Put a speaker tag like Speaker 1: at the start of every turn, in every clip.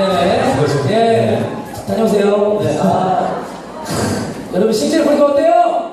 Speaker 1: 네네. 예. 다녀오세요. 네. 여러분, 실제로 보니까 어때요?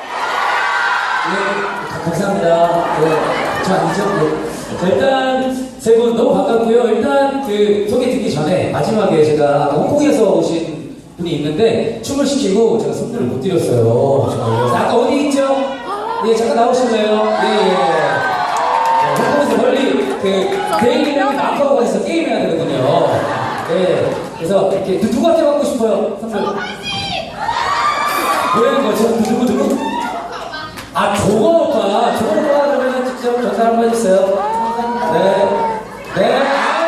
Speaker 1: 예. 감사합니다. 네. 저 아니죠? 네. 자, 일단, 세 분 너무 반갑고요. 일단, 소개 듣기 전에, 마지막에 제가 홍콩에서 오신 분이 있는데, 춤을 시키고 제가 선물을 못 드렸어요. 자, 아까 어디 있죠? 예, 잠깐 나오실래요? 예, 예. 홍콩에서 멀리, 대인이랑 마카오가 해서 게임해야 되거든요. 네. 그래서 이렇게 누구한테 받고 싶어요? 선물. 뭐라는 거죠? 누구? 조건 오빠. 조건 오빠 그러면 직접 전달 한번 해주세요. 네.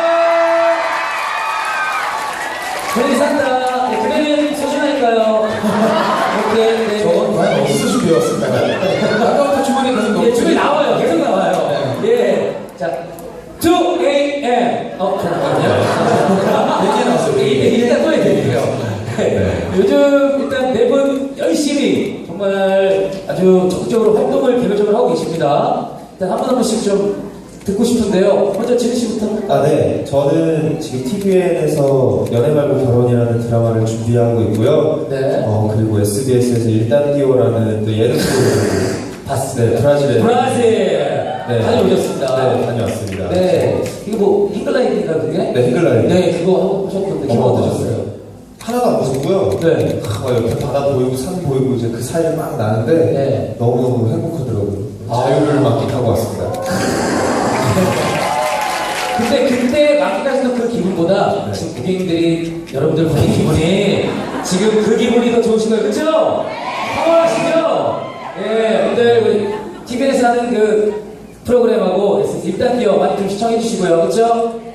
Speaker 1: 그래 산다. 네, 그래는 소중하니까요. 오케이. 네.
Speaker 2: 저건 과연 어디서 준비해왔을까요? 아까부터 주머니에 계속 넣고.
Speaker 1: 예, 주문이 나와요. 계속 나와요. 네. 예. 자, 2 a.m. 잠깐만요.
Speaker 2: 얘기 나왔어요.
Speaker 1: 일단 또 해드릴게요. 요즘 일단 네 분 열심히 정말 아주 적극적으로 활동을 개별적으로 하고 계십니다. 일단 한 번씩 좀 듣고 싶은데요. 먼저 지은 씨부터.
Speaker 3: 네. 저는 지금 TVN에서 연애 말고 결혼이라는 드라마를 준비하고 있고요.
Speaker 1: 네.
Speaker 3: 그리고 SBS에서 일단디오라는 또 예능 프로그램을
Speaker 1: 봤어요.
Speaker 3: 네, 브라질에.
Speaker 1: 네. 다녀오셨습니다.
Speaker 3: 네, 다녀왔습니다.
Speaker 1: 네. 이거 뭐, 잉글라인인가 그게?
Speaker 3: 네, 잉글라인.
Speaker 1: 네, 그거 하셨던데, 기분 어떠셨어요?
Speaker 3: 하나도 안 무섭고요.
Speaker 1: 네.
Speaker 3: 옆에 바다 보이고 산 보이고 이제 그 사이를 막 나는데
Speaker 1: 네.
Speaker 3: 너무너무 행복하더라고요. 자유를 만끽하고 왔습니다.
Speaker 1: 근데 그때 만끽하셨던 그 기분보다
Speaker 3: 네.
Speaker 1: 지금 고객님들이 여러분들 보는 기분이 지금 그 기분이 더 좋으신 거예요. 그쵸? 평온하시죠? 예, 오늘 TVN에서 하는 그 프로그램하고 일단 기어 많이 좀 시청해 주시고요. 그쵸?